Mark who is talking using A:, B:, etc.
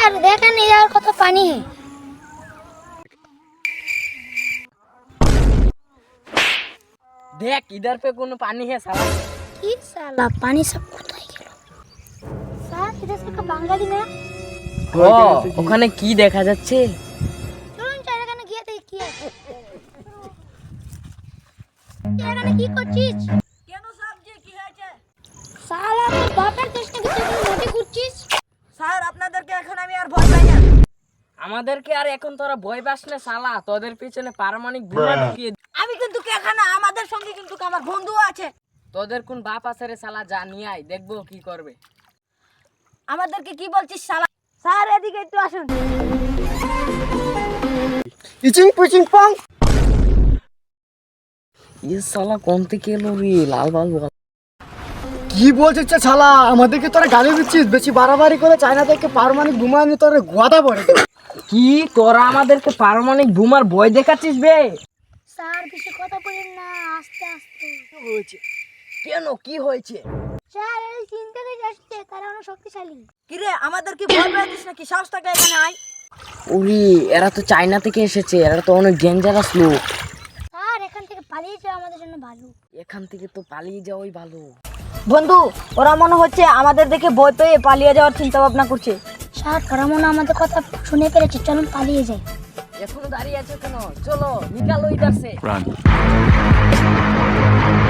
A: Sir देखा नहीं यार कत पानी है।
B: देख इधर पे कोनो पानी है साला।
A: কি সালা পানি সব কোথায় গেল? স্যার এটা সব বাঙালি না?
B: ও ওখানে কি দেখা যাচ্ছে?
A: চলুন চার এখানে গিয়ে দেখি কি আছে। এখানে কি করছিস?
C: কেন সাবজি কি হয়েছে?
A: সালা তোর বাপের দেশ নাকি তুই মাটি করছিস?
C: স্যার আপনাদেরকে এখন আমি আর ভয় পাই না।
B: আমাদেরকে আর এখন তোরা ভয় পাস না শালা, তোদের পিছনে পারমাণবিক বোমা ঢুকিয়ে
C: আমি কিন্তু এখানে আমাদের সঙ্গে কিন্তু আমার বন্ধু আছে।
B: তোদের কোন বাপ আছে রে শালা, যা নিয়ে আয় দেখবো কি করবে।
C: আমাদেরকে কি বলছিস শালা? স্যার এদিকে একটু আসুন।
D: ইচিং পুচিং পং।
B: ये साला कौन থেকে এলো রে লাল বাল বল।
D: কি বলছিস শালা, আমাদেরকে তোরা গালি দিচ্ছিস? বেশি বাড়াবাড়ি করে চায়না থেকে পারমাণবিক বোমা নিয়ে তোরা গোয়াদা পড়ে।
B: কি তোরা আমাদেরকে পারমাণবিক বোমার ভয় দেখাচ্ছিস বে?
A: স্যার বেশি কথা বলেন না, আস্তে আস্তে।
B: হয়েছে কেন, কি হয়েছে?
A: স্যার এই চিন্তা থেকে আসছে তারা অনেক শক্তিশালী।
C: কি রে আমাদের কি ভয় পাচ্ছিস নাকি? সাহস থাকে এখানে আয়।
B: ওরে এরা তো চায়না থেকে এসেছে, এরা তো অনেক ডেঞ্জারাস লোক।
A: স্যার এখান থেকে পালিয়ে যাওয়া আমাদের জন্য ভালো।
B: এখান থেকে তো পালিয়ে যাওয়াই ভালো।
C: বন্ধু ওরা মনে হচ্ছে আমাদের দেখে ভয় পেয়ে পালিয়ে যাওয়ার চিন্তা ভাবনা করছে।
A: স্যার ওরা মনে হয় আমাদের কথা শুনে ফেলেছে, চলুন পালিয়ে যাই।
B: এখনো দাঁড়িয়ে আছো কেন? চলো নিকালো ইধার সে।